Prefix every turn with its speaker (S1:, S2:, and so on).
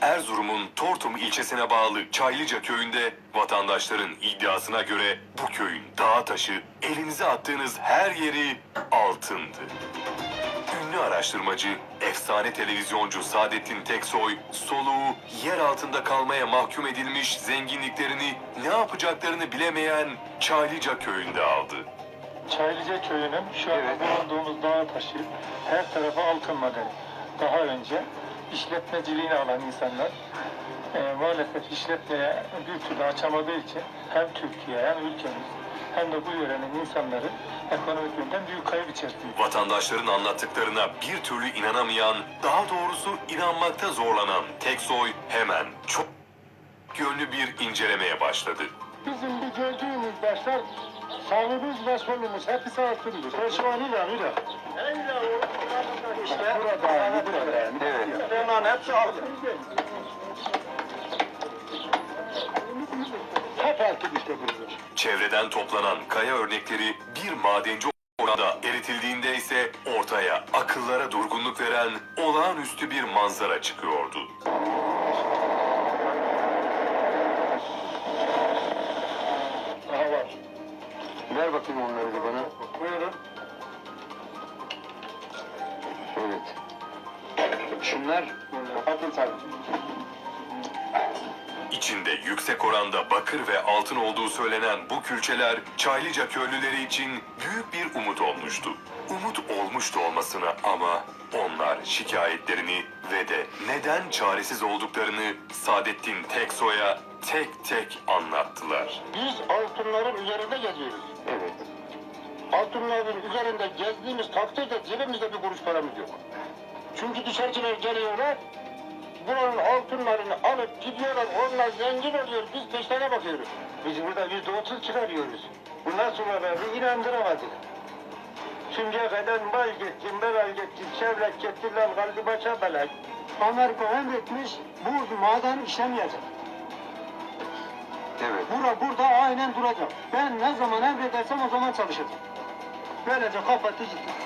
S1: Erzurum'un Tortum ilçesine bağlı Çaylıca köyünde vatandaşların iddiasına göre bu köyün dağı taşı elinize attığınız her yeri altındı. Ünlü araştırmacı, efsane televizyoncu Saadettin Teksoy, soluğu yer altında kalmaya mahkum edilmiş zenginliklerini ne yapacaklarını bilemeyen Çaylıca köyünde aldı.
S2: Çaylıca köyünün şu an bulunduğumuz dağ taşı her tarafı altın madeni. Daha önce işletmeciliğini alan insanlar maalesef işletmeye bir türlü açamadığı için hem Türkiye hem ülkemiz hem de bu yörenin insanları ekonomik yönden büyük kayıp içerisinde.
S1: Vatandaşların anlattıklarına bir türlü inanamayan, daha doğrusu inanmakta zorlanan Teksoy hemen çok yönlü bir incelemeye başladı.
S2: Bizim bu gördüğümüz başlar sağımız ve solumuz hepsi altındır. Şu an ilan. İşte burada. Evet. Bunların hepsi altın. Hep altın işte burada.
S1: Çevreden toplanan kaya örnekleri bir madenci oranda eritildiğinde ise ortaya akıllara durgunluk veren olağanüstü bir manzara çıkıyordu.
S2: Aha var.
S3: Ver bakayım onları da bana.
S2: Buyurun.
S3: Evet. Şunlar
S2: Altın sarı.
S1: İçinde yüksek oranda bakır ve altın olduğu söylenen bu külçeler Çaylıca köylüleri için büyük bir umut olmuştu. Umut olmuştu olmasına ama onlar şikayetlerini ve de neden çaresiz olduklarını Saadettin Teksoy'a tek tek anlattılar.
S2: Biz altınların üzerinde geziyoruz.
S3: evet.
S2: Altınların üzerinde gezdiğimiz takdirde cebimizde bir kuruş paramız yok. Çünkü dışarıcılar geliyorlar, buranın altınlarını alıp gidiyorlar, onlar zengin oluyor, biz peşlerine bakıyoruz. Biz burada %30 çıkarıyoruz. Bundan sonra beni inandıramadık. Şimdiye kadar mal gittim, belal gittim, çevlet gittim, lan kaldı başa belal. Amerika emretmiş, bu maden işlemeyecek.
S3: Evet.
S2: Burada aynen duracak. Ben ne zaman emredersem o zaman çalışacağım. Böylece kapattı gitti.